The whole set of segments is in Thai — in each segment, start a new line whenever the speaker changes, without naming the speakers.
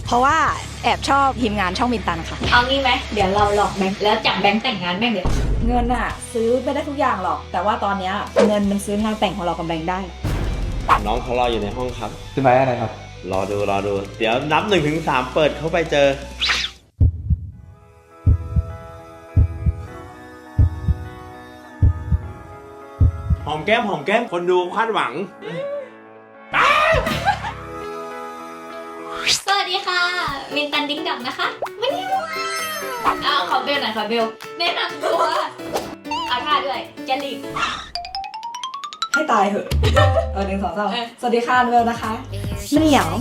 เพราะว่าแอบชอบทีมงานช่องมินตันค่ะ
เอางี้ไหมเดี๋ยวเราหลอกแบงค์แล้วจับแบงค์แต่งงานแม่งเดี๋ยว
เงินอะซื้อไม่ได้ทุกอย่างหรอก แต่ว่าตอนเนี้ยเงินมันซื้องานแต่งของเรากับแบงค์ได้
น้องเขารออยู่ในห้องครับ
ซื้อไม้อะไรครับ
รอดู เดี๋ยวนับ1-3เปิดเข้าไปเจอ หอมแก้มคนดูคาดหวัง
สวัสดีค่ะมินตันดิ้งดังนะคะวันนี้ขอเบลหน่อยขอเบลแนะนำตัวเอาท่าด้วยจะรีบ
ให้ตายเหอะ1 2 3สวัสดีค่ะเวลนะคะไม่เหนียว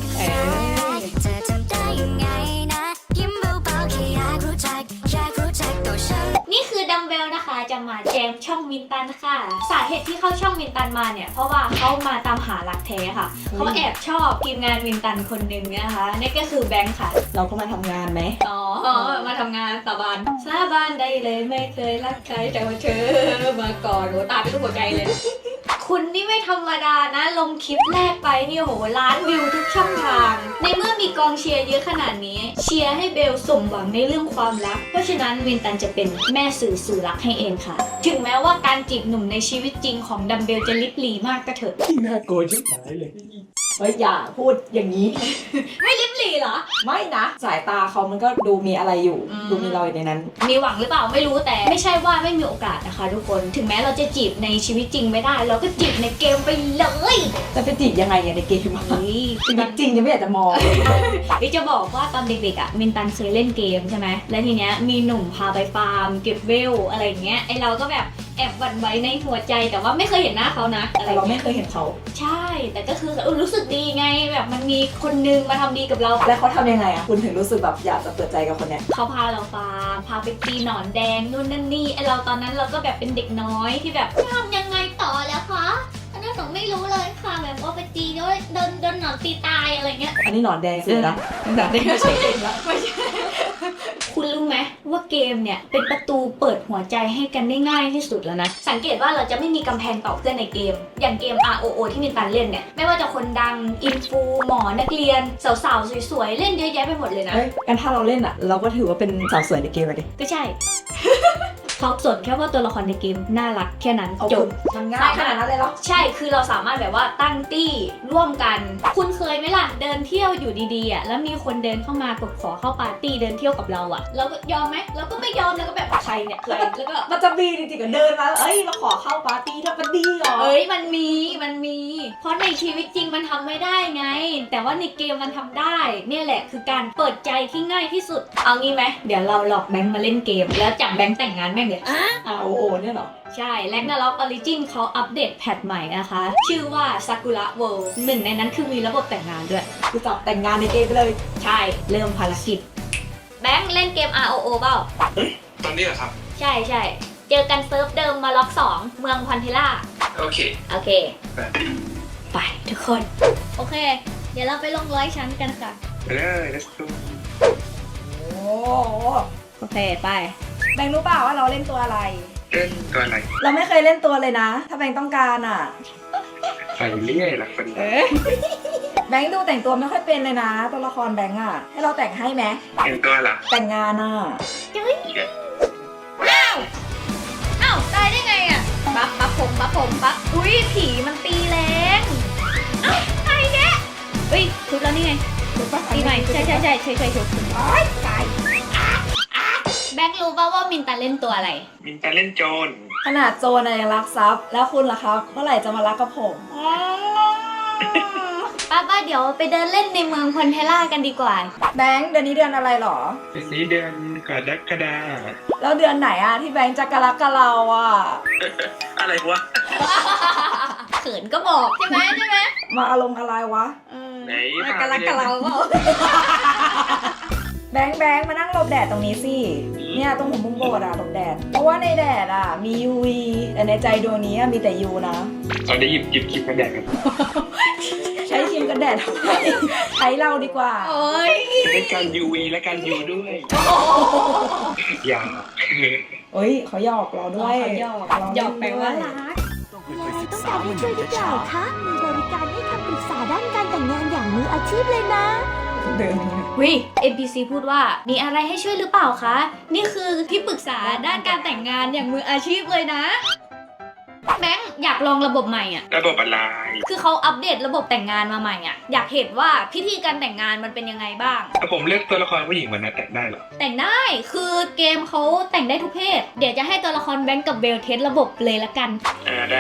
นี่คือดัมเบลนะคะจะมาแจมช่องมินตันค่ะสาเหตุที่เข้าช่องมินตันมาเนี่ยเพราะว่าเขามาตามหารักแท้ค่ะเขาแอบชอบทีมงานมินตันคนหนึ่งนะคะนี่ก็คือแบงค์ค่ะ
เราก็มาทำงานไหม
อ๋อมาทำงานสาบานได้เลยไม่เคยรักใครแต่ว่าเธอมาก่อนโหตาเป็นรูปหัวใจเลย คุณนี่ไม่ธรรมดานะลงคลิปแรกไปเนี่ยโหล้านวิวทุกช่องทางในเมื่อมีกองเชียร์เยอะขนาดนี้เชียร์ให้เบลสมหวังในเรื่องความรักเพราะฉะนั้นวินตันจะเป็นแม่สื่อสู่รักให้เองค่ะ ถึงแม้ว่าการจีบหนุ่มในชีวิตจริงของดัมเบลจะลิบหลีมากก็เถอะ
น่ากลัวชิบหายเลย
เฮ้ยอย่าพูดอย่างนี้
ไม่ลิบหลีเหรอ
ไม่นะ สายตาเขามันก็ดูมีอะไรอยู่
อืม
ดูมีรอยในนั้น
มีหวังหรือเปล่าไม่รู้แต่ไม่ใช่ว่าไม่มีโอกาสนะคะทุกคนถึงแม้เราจะจีบในชีวิตจริงไม่ได้ เราก็จีบในเกมไปเลย
จะไปจีบยังไงเนี่ยในเกมอะ
เฮ้ย
ชีวิตจริงยังไม่อยากจะมองเลย
พี่จะบอกว่าตอนเด็กๆอ่ะมินตันเคยเล่นเกมใช่ไหมแล้วทีเนี้ยมีหนุ่มพาไปฟาร์มเก็บเวลอะไรอย่างเงี้ยไอเราก็แบบแอบหวั่นไหวในหัวใจแต่ว่าไม่เคยเห็นหน้าเขานะอะไร
แต่เรา
เงี้
ไม่
ย
เคยเห็นเขา
ใช่ แต่ก็คือรู้สึกดีไงแบบมันมีคนนึงมาทำดีกับเรา
แล้วเขาทำยังไงอะคุณถึงรู้สึกแบบอยากจะเปิดใจกับคนเนี้ย
เขาพาเราฟาร์มพาไปตีหนอนแดงนู่นนั่นนี่ไอเราตอนนั้นเราก็แบบเป็นเด็กน้อยที่แบบทำยังไงต่อแล้วคะอันนั้นหนูไม่รู้เลยค่ะแบบว่าไปตีด้วยโดนหนอนตีตายอะไรเงี้ย
อันนี้หนอนแดงสุดนะหนอนแดงไม่ใช่เกมละ
ไม่ใช่ คุณรู้ไหมว่าเกมเนี่ยเป็นประตูเปิดหัวใจให้กันได้ง่ายที่สุดแล้วนะ สังเกตว่าเราจะไม่มีกำแพงต่อเพื่อนในเกม อย่างเกม ROO ที่มินตันเล่นเนี่ย ไม่ว่าจะคนดัง อินฟู หมอ นักเรียน สาวๆ สวยๆ เล่นเยอะแยะไปหมดเลยนะ
เฮ้ยกันถ้าเราเล่นอะเราก็ถือว่าเป็นสาวสวยในเกมเลยดิ
ก็ใช่ เขาสนแค่ว่าตัวละครในเกมน่ารักแค่นั้น
เอา
จ
คุ
บ
ณมันง่ายขนาดนั้นเลยเหรอ
ใช่ คือเราสามารถแบบว่าตั้งตี้ร่วมกัน คุณเคยไหมล่ะ เดินเที่ยวอยู่ดีๆอ่ะ แล้วมีคนเดินเข้ามากดขอเข้าปาร์ตี้เดินเที่ยวกับเราอ่ะ เราก็ยอมไหมเราก็ไม่ยอมแล้วก็แบบใครเนี่ยใครแล้วก็
มันจะมีจริงๆก็เดินมาเอ้ยมาขอเข้าปาร์ตี้ถ้ามันดีเหรอ
เอ้ยมันมี เพราะในชีวิตจริงมันทำไม่ได้ไง แต่ว่าในเกมมันทำได้ เนี่ยแหละคือการเปิดใจที่ง่ายที่สุด เอางี้ไหมเดี๋ยวเราหลอกแบงค์มาเล่นเกม แล้วจับแบงค์แต่งงานแม่งเลย
โอ้เนี่ยเหรอ
ใช่แลกนาล็อกออริจินเขาอัปเดตแพทใหม่นะคะ ชื่อว่าซากุระเวิลด์หนึ่งในนั้นคือมีระบบแต่งงานด้วย
คือจับแต่งงานในเกมไปเลย
ใช่ เริ่มภารกิจ แบงค์เล่นเกม ROO เปล่า
ตอนนี้เหรอครับ
ใช่ใช่เจอกันเซิร์ฟเดิมมาล็อก 2 เมืองพันธิล่า
โอเค
โอเค ไปทุกคน โอเค เดี๋ยวเราไปลง100 ชั้นกันค่ะ
ไปเลย let's go
โอ้
โอเค ไป
แบงค์รู้เปล่าว่าเราเล่นตัวอะไร
เล่นตัวอะไร
เราไม่เคยเล่นตัวเลยนะ ถ้าแบงค์ต้องการอ่ะ
ไปเรื่อยละคน
แบงค์ดูแต่งตัวไม่ค่อยเป็นเลยนะ ตัวละครแบงค์อ่ะ ให้เราแต่งให้ไหม
แต่งตัวเหรอ
แต่งงานอ่ะ
อ้าวตายได้ไงอ่ะปั๊บปั๊บอุ้ยผีมันตีแรงเอ้าใครเนี่ยเฮ้ยทุบแล้วนี่ไงตีใหม่ใช่เคยทุบ
โอ๊ยตาย
แบงค์รู้ป่าว่ามินตันเล่นตัวอะไร
มินจะเล่นโจร
ขนาดโจรยังรักทรัพย์ แล้วคุณล่ะครับ เมื่อไหร่จะมารักกับผม
ป้าเดี๋ยวไปเดินเล่นในเมืองพันเทล่ากันดีกว่า
แบงค์เดือนนี้เดือนอะไรหรอ
เป็นนี้เดือนกรกฎา
แล้วเดือนไหนอ่ะที่แบงค์จะกะรักกับเราอ่ะ
อะไรวะ
เขินก็บอกใช่ไหม
มาอารมณ์อะไรวะ
ไหน
มากะลักกะเราเปล่า
แบงค์มานั่งหลบแดดตรงนี้สิ เนี่ยตรงหัวมุมโบสถ์อะหลบแดด เพราะว่าในแดดอะมี UV แต่ในใจดวงนี้อะมีแต่ U นะ
ตอนได้หยิบคลิปมาแดกกัน
ใช้ครีมกันแดดทำไมใช้เราดีกว่า
โอ้ย
จะได้การ UV และการ U ด้วย อย่า
เฮ้ยเขาหยอกเราด้วย
เขาหยอกแปลว่ารัก
ต้องการให้ช่วยหรือเปล่าคะ มีบริการให้คำปรึกษาด้านการแต่งงานอย่างมืออาชีพเลยนะ
เดินยังไง
วิ NPC พูดว่ามีอะไรให้ช่วยหรือเปล่าคะนี่คือที่ปรึกษาด้านการแต่งงานอย่างมืออาชีพเลยนะแบงค์อยากลองระบบใหม่อ่ะ
ระบบอะไร
คือเขาอัปเดตระบบแต่งงานมาใหม่อ่ะอยากเห็นว่าพิธีการแต่งงานมันเป็นยังไงบ้าง
ถ้าผมเลือกตัวละครผู้หญิงมันนะแต่งได้เหรอ
แต่งได้คือเกมเขาแต่งได้ทุกเพศเดี๋ยวจะให้ตัวละครแบงค์กับเบลเทสระบบเลยละกัน
ได้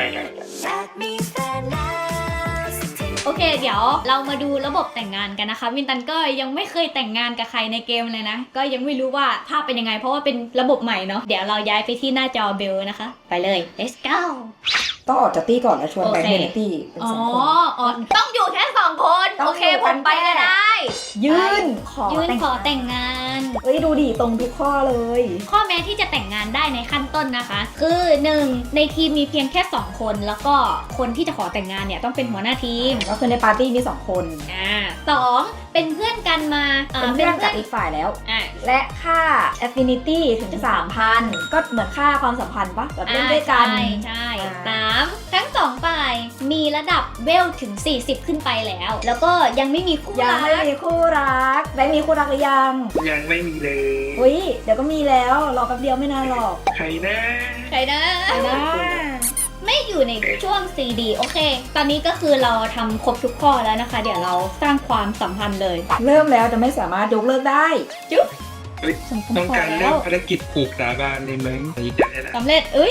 โอเค เดี๋ยวเรามาดูระบบแต่งงานกันนะคะวินตันก็ยังไม่เคยแต่งงานกับใครในเกมเลยนะก็ยังไม่รู้ว่าภาพเป็นยังไงเพราะว่าเป็นระบบใหม่เนาะเดี๋ยวเราย้ายไปที่หน้าจอเบลนะคะไปเลย let's go
ต้องออกจากตี้ก่อนแล้วชวนแบงค์
โอเค
ในตี้เป็น
อ๋อ
สองคน
อ๋อต้องอยู่แค่2 คน
ต้อง
โอเค
อยู่
ผ
กั
ม
น
ไปก็
แค่
ได้
ยื่นขอ
ยื่น
แต่ง
ขอแต่งงาน
เอ้ยดูดิตรงทุกข้อเลย
ข้อแม้ที่จะแต่งงานได้ในขั้นต้นนะคะ คือ 1. ในทีมมีเพียงแค่ 2 คนแล้วก็คนที่จะขอแต่งงานเนี่ยต้องเป็นหัวหน้าทีม
ก็คือในปาร์ตี้มี2 คน
2. เป็นเพื่อนกันมา
เป็นเพื่อนกับอีกฝ่ายแล้ว
อ่ะ
และค่า affinity ถึง 3,000 ก็เหมือนค่าความสัมพันธ์ปะแบบเล่นด้วยกัน
ใช่
อ่า
3. ทั้ง2ฝ่ายมีระดับเวลถึง 40 ขึ้นไปแล้ว แล้วก็ยังไม่มีคู่
ยัง
รัก
ไม่มีคู่รักแบงค์มีคู่รักหรือยัง
ยังไม่มีเลย
อุ้ยเดี๋ยวก็มีแล้วรอแป๊บเดียวไม่นานหรอก
ใครนะ
ใครนะ
ไปนะ
ไม่อยู่ในช่วง CD โอเค ตอนนี้ก็คือเราทำครบทุกข้อแล้วนะคะ เดี๋ยวเราสร้างความสัมพันธ์เลย
เริ่มแล้วจะไม่สามารถยกเลิกได้
ต้องการเริ่มภารกิจผูกสาบานเลยไหมนี่จะได้ละ
สำเร็จเอ้ย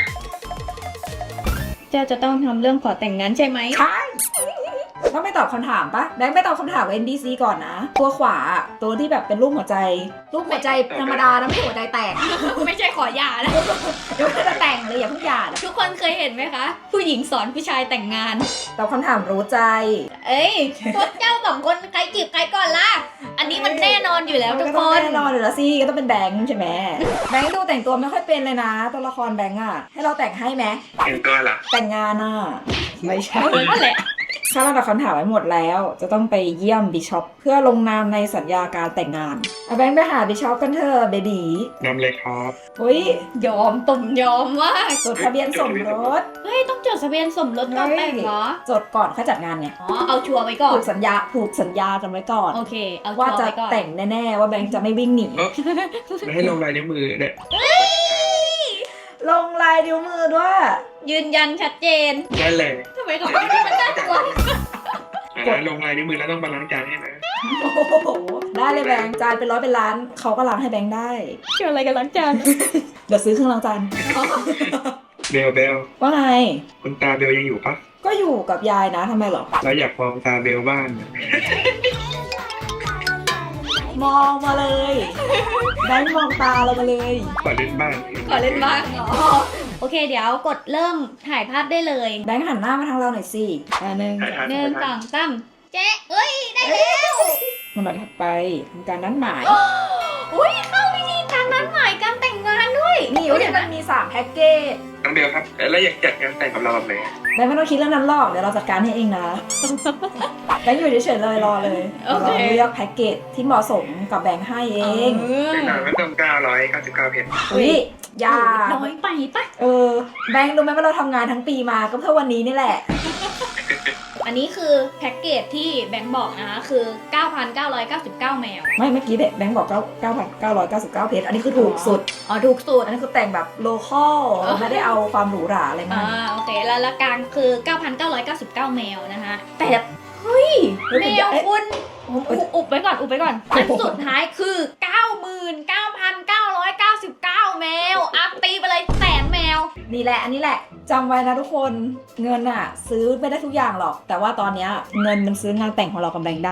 เจ้าจะต้องทำเรื่องขอแต่งงานใช่ไหม
ใช่ต้องไม่ตอบคำถามปะแบงค์ไม่ตอบคำถามกับ NPC ก่อนนะ ตัวขวาตัวที่แบบเป็นรูปหัวใจ รูปหัวใจธรรมดานะไม่ใช่หัวใจแตก
ไม่ใช่ขอหย่านะ
เดี๋ยวจะแต่งเลยอย่าเพิ่งหย่านะ
ทุกคนเคยเห็นไหมคะ ผู้หญิงสอนผู้ชายแต่งงาน
ตอบคำถามรู้ใจ
เอ้ยพวกเจ้า2 คนใครจีบใครก่อนล่ะ อันนี้มันแน่นอนอยู่แล้วทุก
ก็
ค
ต้อง
น
แน่นอนอยู่แล้วสิก็ต้องเป็นแบงค์ใช่ไหมแบงค์ดูแต่งตัวไม่ค่อยเป็นเลยนะ ตัวละครแบงค์อะให้เราแต่งให้ไหม
เห็นตัวเหรอ
แต่งงานอะไม่ใช่
นั่นแหละ
ถ้าเราตอบคำถามไว้หมดแล้ว จะต้องไปเยี่ยมบิชอปเพื่อลงนามในสัญญาการแต่งงานเอาแบงค์ไปหาบิชอปกันเถอะเบบี
นำเลยครับ
อุ้ย
ยอมตุ่มยอมมาก
จดทะเบียนสมรส
เฮ้ย ต้องจดทะเบียนสมรสก่อนแต่งเหรอ
จดก่อนค่อยจัดงานเนี่ย
อ๋อ เอาชัวร์ไว้ก่อน
ผูกสัญญากันไว้ก่อน
โอเค เอาชัว
ว่า
ร์
จะ
ไว้ก่อน
แต่งแน่ๆว่าแบงค์จะไม่วิ่งหนี
แล้วให้ลงลายนิ้วมือเนี่ย
ลงลายนิ้วมือด้วย
ยืนยันชัดเจน
ได้เลย
ทำไมเขาไม่ได้มันน่ากลัว
ลงลายนิ้วมือแล้วต้องมาล้างจานให้นะ
โอ้โหได้เลยแบงค์จานเป็นร้อยเป็นล้านเขาก็ล้างให้แบงค์ได้
เกี่ยวอะไรกันล้างจาน
เดี๋ยวซื้อเครื่องล้างจาน
เบล
ว่าไง
คุณตาเบลยังอยู่ปะ
ก็อยู่กับยายนะทำไมเหรอ
เราอยากมองตาเบลบ้าง
มองมาเลยแบงค์มองตาเรามาเลย
ขอเล่นบ้าง
ขอเล่นบ้างเหรอ โอเค เดี๋ยวกดเริ่มถ่ายภาพได้เลย
แบงค์หันหน้ามาทางเราหน่อยสิหนึ่ง
1 2 3เจ๊เอ้ย ได้แล้ว
มันมาถัดไปทำการนัดหมาย
อุ้ยเข้าพิธีการนัดหมายการแต่งงานด้วย
นี่เดี๋ยวมันมี3แพ็กเกจ
น้องเบลครับ แล้วอยากจัดงานแต่งกับเราแบบไหน
แบงค์ไม่ต้องคิดเรื่องนั้นหรอกเดี๋ยวเราจัดการให้เองนะแบงค์อยู่เฉยๆเลยรอเลย
โอเค
เราเลือกแพ็กเกจที่เหมาะสมกับแบงค์ให้เอง
เป็นหนังไม่ต้อง999เพชร
อุ้ยอยา
น้อยไปปะ
แบงค์รู้ไหมว่าเราทำงานทั้งปีมาก็เพื่อวันนี้นี่แหละ
อันนี้คือแพ็กเกจที่แบงค์บอกนะคะ คือ 9,999 แมว
ไม่เมื่อกี้แบงค์บอก9,999 เพชรอันนี้คือถูกสุด
อ๋อ ถูกสุด
อันนี้คือแต่งแบบโลคอลไม่ได้เอาความหรูหราอะไรมาก
โอเค แล้วละกลางคือ 9,999 แมวนะคะแต่เฮ้ย แมวคุณอุบไปก่อน อันสุดท้ายคือ 99,999 แมว อัพตีไปเลย100,000 แมว
นี่แหละอันนี้แหละจำไว้นะทุกคนเงินอะซื้อไม่ได้ทุกอย่างหรอก แต่ว่าตอนเนี้ยเงินมันซื้องานแต่งของเรากับแบงค์ได้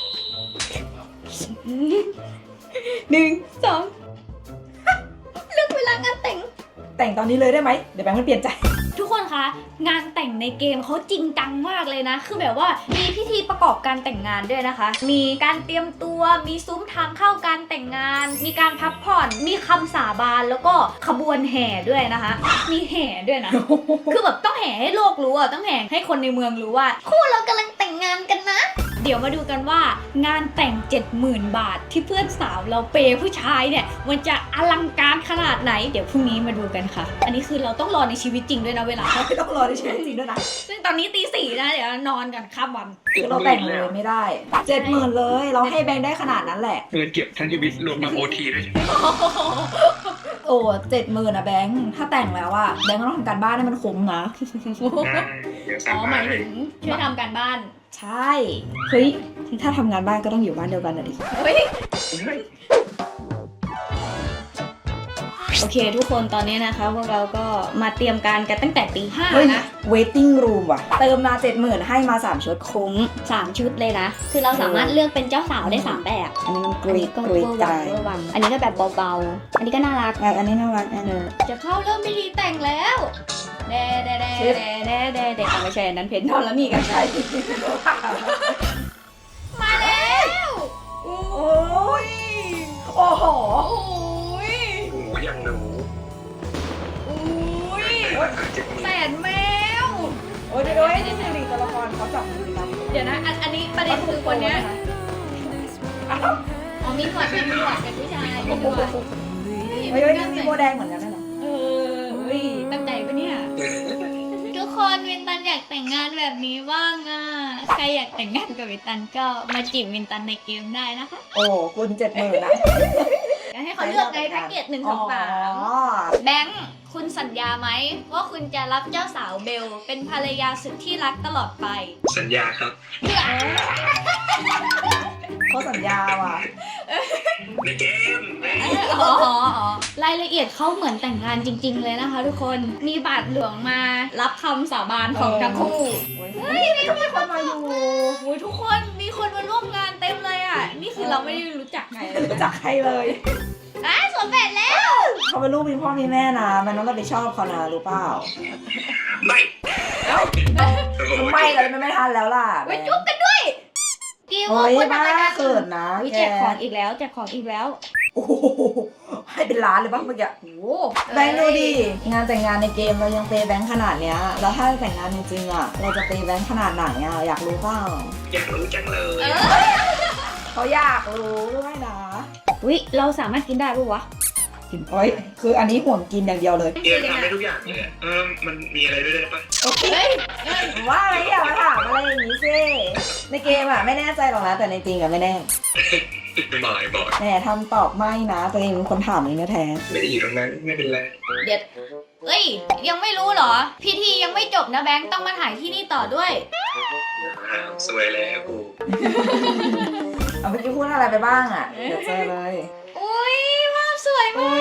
1 2 เลือกเวลางานแต่ง
แต่งตอนนี้เลยได้ไหมเดี๋ยวแบงค์มันเปลี่ยนใจ
ทุกคนคะงานแต่งในเกมเขาจริงจังมากเลยนะ คือแบบว่ามีพิธีประกอบการแต่งงานด้วยนะคะ มีการเตรียมตัวมีซุ้มทางเข้าการแต่งงาน มีการพักผ่อนมีคำสาบานแล้วก็ขบวนแห่ด้วยนะคะ มีแห่ด้วยนะ คือแบบต้องแห่ให้โลกรู้อ่ะต้องแห่ให้คนในเมืองรู้ว่าคู่เรากำลังแต่งงานกันนะเดี๋ยวมาดูกันว่างานแต่ง 70,000 บาทที่เพื่อนสาวเราเปย์ผู้ชายเนี่ยมันจะอลังการขนาดไหนเดี๋ยวพรุ่งนี้มาดูกันค่ะ อันนี้คือเราต้องรอในชีวิตจริงด้วยนะเวลา
ไม่ต้องรอในชีวิตจริงด้วยนะ
ซึ่งตอนนี้ตี 4นะเดี๋ยวนอนกันข้ามวัน
คือเราแต่งเลยไม่ได้70,000เลยเราให้แบงค์ได้ขนาดนั้นแหละ
เงินเก็บทั้งชีวิตรวมมาโอทีด้วยใช่ไหม
โอ้70,000นะแบงค์ถ้าแต่งแล้วอะแบงค์ก็ต้องทำการบ้านให้มันคุ้มนะ
ได้เดี๋ยวสั่
อ๋
ง
อหาย
มามให้
ถึงช่วยทำการบ้าน
ใช่เฮ้ยถ้าทำงานบ้านก็ต้องอยู่บ้านเดียวกันนะดิ
เฮ้ย
เฮ้ย
โอเคทุกคนตอนนี้นะคะพวกเราก็มาเตรียมการกันตั้งแต่ตี
เฮ้ย
5นะ
waiting room ว่ะ เติมมา70,000ให้มา3ชุด
คุ้ม3 ชุดเลยนะ คือเราสามารถเลือกเป็นเจ้าสาวได้ 3 แบบ
อันนี้มันก
อัน
รี
นี้
ด
ก็
ก
เว
รี
อ
ด
ร์
ใจ
วังเวอร์วังอันนี้ก็แบบเบาๆ อันนี้ก็น่ารัก
อันนี้น่ารักอันนึง
จะเข้าเริ่มพิธีแต่งแล้วเด้เด้เด้เด้เด้เด้เด้เอาไม่ใช่อันนั้นเพนทอนแล้วนี่กันใช่มาแล้ว
โอ้ยโอ้โห
โอ้ย
โอ้ยยังหนู
โอ้ย
เจ็บมือ
แสนแมว
โอ้ยเดี๋ยวนี่คือตัวละครเขาจับมือกัน
เดี๋ยวนะอันนี้ประเด็นคือคนเนี้ยอ๋อมีหนวดเป็นผู้ชายมีหนวด
เฮ้ยมีโบแดงเหมือนกันนะ
เออเฮ้ยตั้งใจปะเนี่ย ทุกคนวินตันอยากแต่งงานแบบนี้บ้างอ่ะ ใครอยากแต่งงานกับวินตันก็มาจีบวินตันในเกมได้นะคะ
โอ้คุณ70,000นะ
อยากให้เขาเลือกในแพ็กเกจ1 2 3แบงค์คุณสัญญาไหมว่าคุณจะรับเจ้าสาวเบล เป็นภรรยาสุดที่รักตลอดไป
สัญญาครับ
เขาสัญญาว่ะ
ในเกม
อ๋อรายละเอียดเขาเหมือนแต่งงานจริง ๆ เลยนะคะ ทุกคนมีบาทหลวงมารับคำสาบานของทั้งคู่
เฮ้ยมีคนมาอยู่
โอ้ยทุกคนมีคนมาร่วมงานเต็มเลยอ่ะ นี่คือเราไม่ได้รู้จักใครเลย
รู้จักใครเลย
สวนแปดแล้ว
เขาเป็นลูกมีพ่อมีแม่นะมันต้องรับผิดชอบเขานะรู้เปล่า
ไม่
เอ้า
โอ้โห
ไม่เลยไม่ทันแล้วล่ะ
ไปจุ๊บกันด้วยกิว
โอ้ย
คุณ
บ้า
ทำอะไรกัน
เขินนะ
อุ๊ย
แก
แจกของอีกแล้วแจกของอีกแล้ว
โอ้โหให้เป็นล้านเลยบ้างเมื่อกี้
โอ้
แบงค์ดูดิงานแต่งงานในเกมเรายังเปย์แบงค์ขนาดเนี้ยแล้วถ้าแต่งงานจริงๆอ่ะเราจะเปย์แบงค์ขนาดไหนอ่ะอยากรู้เปล่า
อยากรู้จังเลย
เขาอยากรู้ด้วยนะ
อุ๊ยเราสามารถกินได้ปะวะ
กินโอ้ยคืออันนี้ห่วงกินอย่างเดียวเลย
เกมทำได้ทุกอย่างเลยมันมีอะไรด้วยได้ปะ
โอเคว่าอะไรอย่ามาถามอะไรอย่างนี้สิในเกมอ่ะไม่แน่ใจหรอกนะแต่ในจริงอ่ะไม่แน่
บ่อย
แหมทำตอบไม่นะตัวเองเป็นคนถามเองแท้
ไม่ได้อยู่ตรงนั้นไม่เป็นไร
เดี๋ยวเอ้ยยังไม่รู้เหรอ พิธียังไม่จบนะแบงค์ต้องมาถ่ายที่นี่ต่อด้วย
สวยแล้วกู
ๆเอาเมื่อกี้พูดอะไรไปบ้างอ่ะเดี๋ยวเจอเลย
อุ้ยภาพสวยมาก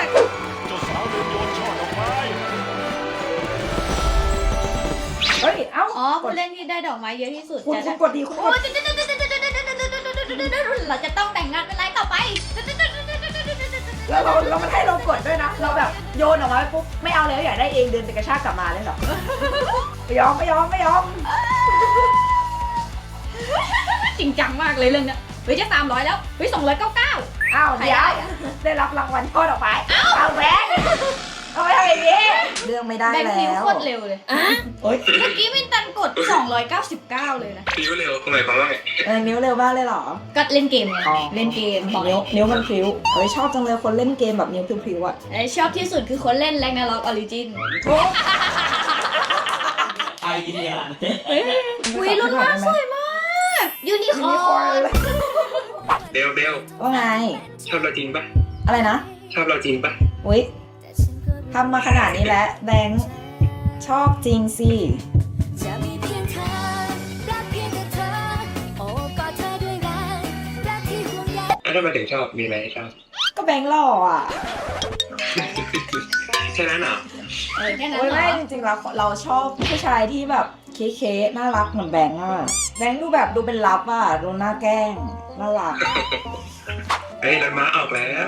เฮ้ยเอ้า
อ๋อผู้เล่นที่ได้ดอกไม้เยอะที่สุด
คุณ
จะ
คุ
ได้
ณกดดีคุณก
โอ้
ด
เราจะต้องแต่งงานเป็นไรต่อไป
แล้วเรามันให้เรากดด้วยนะเราแบบโยนออกมาปุ๊บไม่เอาแล้วอยากได้เองเดินไปกระชากกลับมาเลยเหรอไม่ยอม
จริงจังมากเลยเรื่องเนี้ยเฮ้ยจะ300แล้วเฮ้ย299
อ้าวเดี๋ยวได้รับรางวัลช่อดอกไม้เอาแบงค์เอาไปทำอย่างนี้เรื่องไม่ได้
แบงค์
แล้
คิว
ว
โคตรเร็วเลย
โอ๊ย
เมื่อกี้วินตันกด 299 เลยนะ
พิ้วเร็วทำไมความว่าไง
นิ้วเร็วมากเลยเหรอ
ก็เล่นเกมไง
อ๋อ
เล่นเกมบอก
นิ้วมันพลิ้วเฮ้ยชอบจังเลยคนเล่นเกมแบบนิ้วพลิ้วๆอ่ะ
ชอบที่สุดคือคนเล่นแรงนาล็อกออริจิน
ไอเดีย
อุ้ยรุ่นมากสวยมากยูนิคอร์น
เบล
ว่าไง
ชอบเราจริงปะ
อะไรนะ
ชอบเราจริงปะ
อุ๊ยทำมาขนาดนี้แล้วแบงค์ชอบจริงสิ
จะมีเพียงเธอรักเพียงแต่เธอโอบกอดเธอด้วยรักรักที่ห่วงใย
แล้วทำไมถึงชอบมีไหมชอบ
ก็แบงค์หล่ออ่ะ
แค่นั้นเหรอ
แค่นั้น
โอ้ย
เหร
ไม่
อ
จริงๆแล้วเราชอบผู้ชายที่แบบเค้ๆน่ารักเหมือนแบงค์อ่ะแบงค์ดูแบบดูเป็นลับอ่ะดูหน้าแกล้งน่ารัก
เฮ้ยรถม้าออกแล้ว
ไหน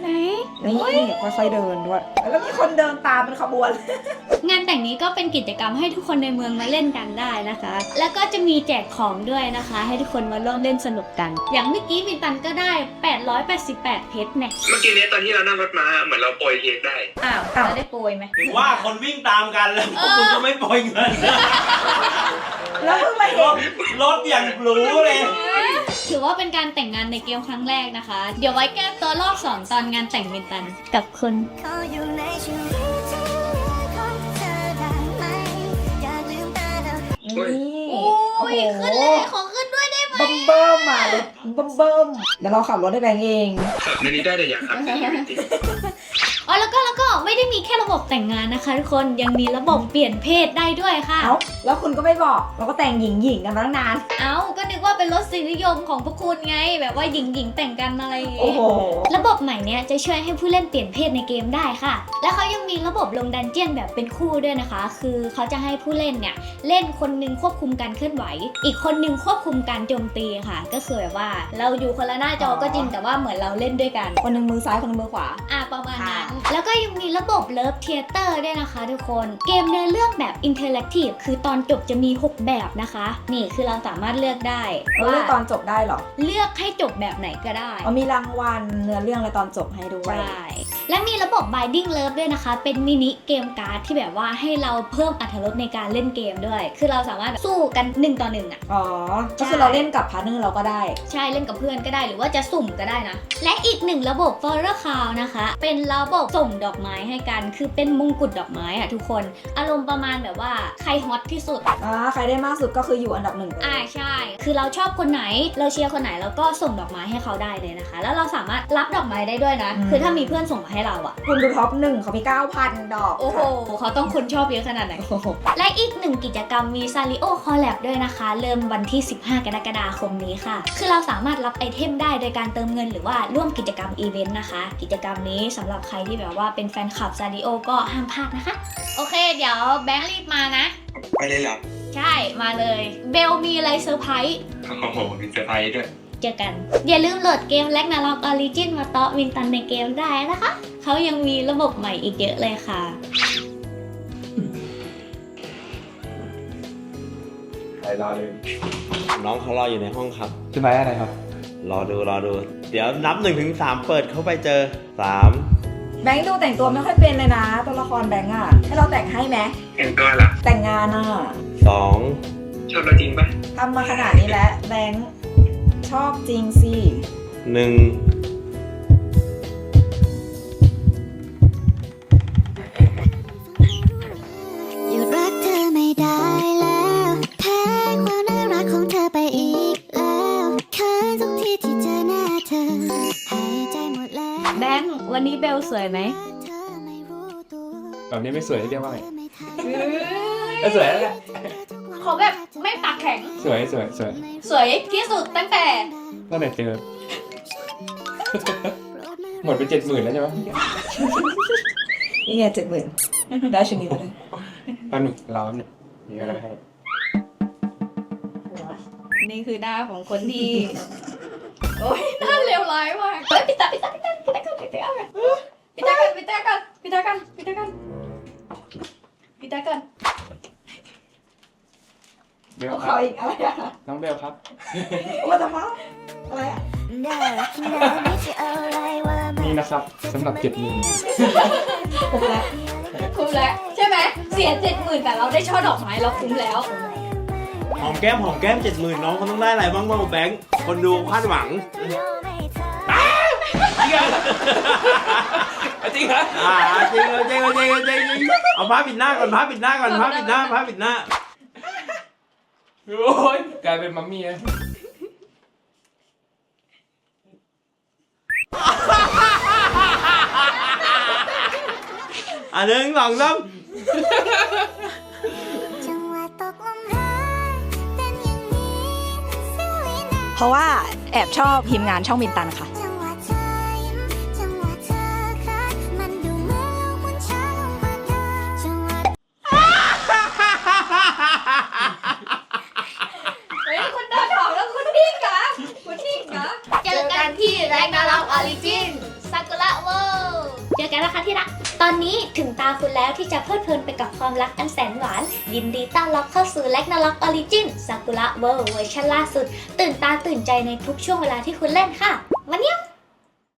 ไหน
นี่ค่อยๆเดินด้วย แล้วมีคนเดินตามเป็นขบวน
งานแต่งนี้ก็เป็นกิจกรรมให้ทุกคนในเมืองมาเล่นกันได้นะคะ แล้วก็จะมีแจกของด้วยนะคะ ให้ทุกคนมาร่วมเล่นสนุกกัน อย่างเมื่อกี้มินตันก็ได้ 888 เพชรเนี่ย
เมื่อกี้เนี้ยตอนที่เรานั่งรถมาเหมือนเราโปรยเค้กได้
อ้าวเราได้โปรยไหม
ถึงว่าคนวิ่งตามกันแล้วพวกคุณก็ไม่ปล่อยเงิน
แล้วเพิ่งมาเห็น
รถอย่างหรูเลย
ถือว่าเป็นการแต่งงานในเกมครั้งแรกนะคะ เดี๋ยวไว้แก้ตัวรอบ2ตอนงานแต่งมินตันกับคุณ
ขออยู่ในชีวิตที่เหลือของเธอได้ไหมอย่าลืมตาเรา
นี่
โอ้
โอ้
ย
โห
ขึ้นเลยขอขึ้นด้วยได้ไหม
เบิ่มมาเลยเบิ่มเดี๋ยวเราขับรถให้แบงค์เอง
ขับในนี้ได้แต่อยากขับในชีวิตจริง
อ๋อแล้วก็ไม่ได้มีแค่ระบบแต่งงานนะคะทุกคนยังมีระบบเปลี่ยนเพศได้ด้วยค่ะ
เอ้า แล้วคุณก็ไม่บอก เราก็แต่งหญิงๆกันมาตั้งนาน
เอ้าก็นึกว่าเป็นรสนิยมของพวกคุณไง แบบว่าหญิงแต่งกันอะไรอย่าง
โอ้
งี้
โห
ระบบใหม่เนี้ยจะช่วยให้ผู้เล่นเปลี่ยนเพศในเกมได้ค่ะ และเขายังมีระบบลงดันเจี้ยนแบบเป็นคู่ด้วยนะคะ คือเขาจะให้ผู้เล่นเนี่ยเล่นคนหนึงควบคุมการเคลื่อนไหว อีกคนหนึงควบคุมการโจมตีค่ะ ก็คือแบบว่าเราอยู่คนละหน้าจอก็จริงแต่ว่าเหมือนเราเล่นด้วยกัน
คนหนึ่งมือซ้ายคนหนึ่งมือขวา
ประมาณนั้น
ค่ะ
แล้วก็ยังมีระบบเลิฟเทเตอร์ด้วยนะคะทุกคน เกมเนื้อเรื่องแบบอินเทอร์แอคทีฟคือตอนจบจะมี 6 แบบนะคะ นี่คือเราสามารถเลือกได้
เราเลือกตอนจบได้เหรอ
เลือกให้จบแบบไหนก็ได้
เอามีรางวัลเนื้อเรื่องอะไรตอนจบให้ด้วย
ใช่และมีระบบ Binding Love ด้วยนะคะ เป็นมินิเกมการ์ดที่แบบว่าให้เราเพิ่มอรรถรสในการเล่นเกมด้วย คือเราสามารถสู้กัน1 ต่อ 1อ่ะ
อ๋อ ก็คือเราเล่นกับพาร์ทเนอร์เราก็ได้
ใช่เล่นกับเพื่อนก็ได้หรือว่าจะสุ่มก็ได้นะ และอีกหนึ่งระบบ f o r e r Cloud นะคะ เป็นระบบส่งดอกไม้ให้กัน คือเป็นมงกุฎดอกไม้อะทุกคน อารมณ์ประมาณแบบว่าใครฮอตที่สุด
ใครได้มากสุดก็คืออยู่อันดับ 1
ใช่ คือเราชอบคนไหน เราเชียร์คนไหนแล้วก็ส่งดอกไม้ให้เขาได้เลยนะคะ แล้วเราสามารถรับดอกไม้ได้ด้วยนะ คือถ้ามีเพื่อนส่งมาให้เราอะ
คุณดูท็อป 1เขามี 9,000 ดอก
โอ้โห เขาต้องคนชอบเยอะขนาดไหน
โอ้โห
และอีกหนึ่งกิจกรรมมี Sario Collab ด้วยนะคะ เริ่มวันที่ 15 กรกฎาคมนี้ค่ะ คือเราสามารถรับไอเทมได้โดยการเติมเงินหรือว่าร่วมกิจกรรมอีเวนต์นะคะ กิจกรรมนี้สำหรับใครที่แบบว่าเป็นแฟนคลับ Sario ก็ห้ามพลาดนะคะ โอเค เดี๋ยวแบงค์รีบมานะ
ไปเลยเหรอ
ใช่ มาเลย เบลมีอะไรเซอร์ไพรส์
โอ้โหมีเซอร์ไพรส์ด้วย
เจอกัน อย่าลืมโหลดเกม Ragnarok Origin มาเตาะวินตันในเกมได้นะคะ เขายังมีระบบใหม่อีกเยอะเลยค่ะ
ใครรอเลย
น้องเขารออยู่ในห้องครับ
จะไปอะไรครับ
รอดู เดี๋ยวนับ1 ถึง 3 เปิดเข้าไปเจอ 3
แบงค์ดูแต่งตัวไม่ค่อยเป็นเลยนะ ตัวละครแบงค์อะให้เราแต่งให้ไหม
เห็นตัวเหรอ
แต่งงานอะ
2
ชอบเราจริงปะ
ทำมาขนาดนี้แล้วแบงค์ชอบจริงสิ
1
หยุดรักเธอไม่ได้แล้วแพ้ความน่ารักของเธอไปอีกแล้วเขินทุกทีที่เจอหน้าเธอหายใจหมดแล้ว
แบงค์วันนี้เบลสวยไหม
เธอไม่รู้ตัว
แบบนี้ไม่สวยเรียกว่าไง
ไม่ทัน
ก็สวยแล้วแหละ
ขอแบบไม่ปากแข็ง
สวย
สวยที่สุดตั้งแต่
ตั้งแต่เจอ หมดไป70,000แล้วใช่ไหม
นี่ไง70,000ได้ชุดนี้ไปเลย
ตอนหนึ่งร้อนเนี่ยมีอะไรให้
นี่คือหน้าของคนที่ โอ้ยหน้าเลวร้ายมากเฮ้ยปิดตากัน
เบล
เอา
ค
เขา
รับ
อีกอะไรอะ
น้องเบลครับ
ว่าจะมาอะไรอะ
น่ารักน่าไม่ใช่อะไรว่ามัน
นี่นะครับสำหรับ70,000
ผมแล้ว
คุ้มแล้วใช่ไหมเสีย 70,000แต่เราได้ช่อดอกไม้เราคุ้มแล้ว
หอมแก้ม 70,000 น้องเขาต้องได้อะไรบ้างแบงค์ คนดูคาดหวัง
จริงเหรอ
จริงเอาผ้าปิดหน้าก่อนผ้าปิดหน้า
โอ้ยกลายเป็นมัมมี่เลย
1 2 3
จังหวะตกลมรักเป็นอย่างนี้เสี้ยววินาที
เพราะว่าแอบชอบทีมงานช่องมินตันค่ะ
จังหวะเธอยิ้มจังหวะเธอคัดมันดูเหมือนลมบนช้าลงกว่าเธอจังหวะ
เฮ้ยคุณเดินออกแล้วคุณนิ่งเหรอเจอกันที่ Ragnarok Origin ซากุระเวิลด์เจอกันนะคะที่รัก ตอนนี้ถึงตาคุณแล้วที่จะเพลิดเพลินไปกับความรักอันแสนหวาน ยินดีต้อนรับเข้าสู่ Ragnarok Origin ซากุระเวิลด์เวอร์ชันล่าสุด ตื่นตาตื่นใจในทุกช่วงเวลาที่คุณเล่นค่ะวันนี้